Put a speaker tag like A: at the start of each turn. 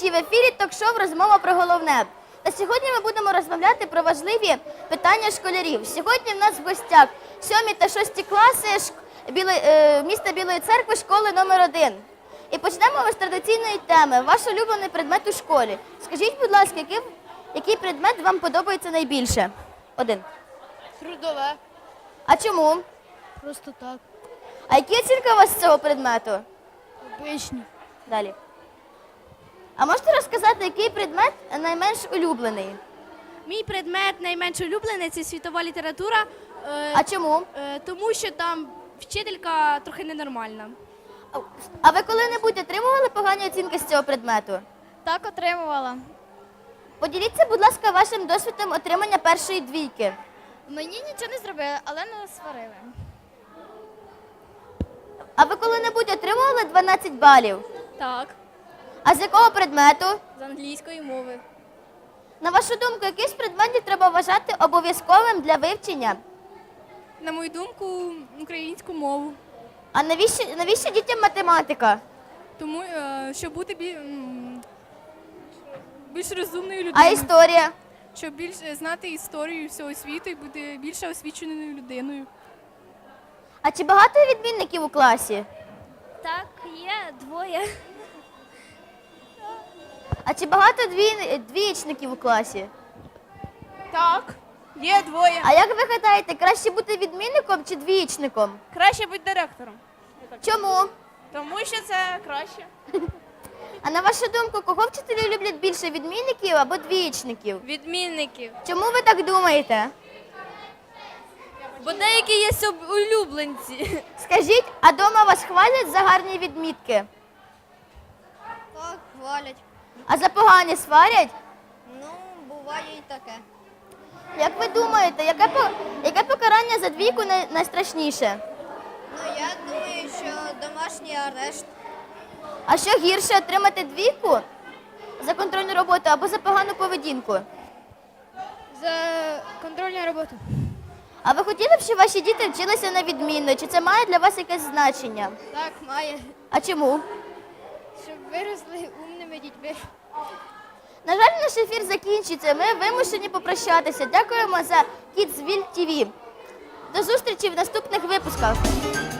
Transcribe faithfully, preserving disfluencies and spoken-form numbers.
A: глядачі! В ефірі ток-шоу «Розмова про головне». Та сьогодні ми будемо розмовляти про важливі питання школярів. Сьогодні в нас в гостях сьомі та шості класи шк... Біло... е... міста Білої Церкви, школи номер один. І почнемо ми з традиційної теми. Ваш улюблений предмет у школі. Скажіть, будь ласка, який, який предмет вам подобається найбільше? Один.
B: Трудове.
A: А чому?
B: Просто так.
A: А які оцінки у вас з цього предмету?
B: Обичні.
A: Далі. А можете розказати, який предмет найменш улюблений?
B: Мій предмет найменш улюблений – це світова література, е,
A: А чому?
B: е, тому що там вчителька трохи ненормальна.
A: А ви коли-небудь отримували погані оцінки з цього предмету?
B: Так, отримувала.
A: Поділіться, будь ласка, вашим досвідом отримання першої двійки.
B: Мені нічого не зробили, але не сварили.
A: А ви коли-небудь отримували дванадцять балів?
B: Так,
A: А з якого предмету?
B: з англійської мови.
A: На вашу думку, який з предметів треба вважати обов'язковим для вивчення?
B: На мою думку, українську мову.
A: А навіщо, навіщо дітям математика?
B: Тому, е, щоб бути бі- м, більш розумною
A: А
B: людиною.
A: історія?
B: Щоб більш знати історію всього світу і бути більш освіченою людиною.
A: А чи багато відмінників у класі?
B: Так, є двоє.
A: А чи багато дві... двієчників у класі?
B: Так, є двоє.
A: А як ви гадаєте, краще бути відмінником чи двієчником?
B: Краще бути директором.
A: Чому?
B: Тому що це краще.
A: А на вашу думку, кого вчителі люблять більше, відмінників або двієчників?
B: Відмінників.
A: Чому ви так думаєте?
B: Бо деякі є улюбленці.
A: Скажіть, а дома вас хвалять за гарні відмітки?
C: Так, хвалять.
A: А за погані сварять?
C: Ну, буває і таке.
A: Як ви думаєте, яке, по... яке покарання за двійку най... найстрашніше?
C: Ну, я думаю, що домашній арешт.
A: А що гірше, отримати двійку за контрольну роботу або за погану поведінку?
B: За контрольну роботу.
A: А ви хотіли б, щоб ваші діти вчилися на відмінно? Чи це має для вас якесь значення?
B: Так, має.
A: А чому?
B: Щоб виросли умними дітьми.
A: На жаль, наш ефір закінчується. Ми вимушені попрощатися. Дякуємо за Kidsville ті ві. До зустрічі в наступних випусках.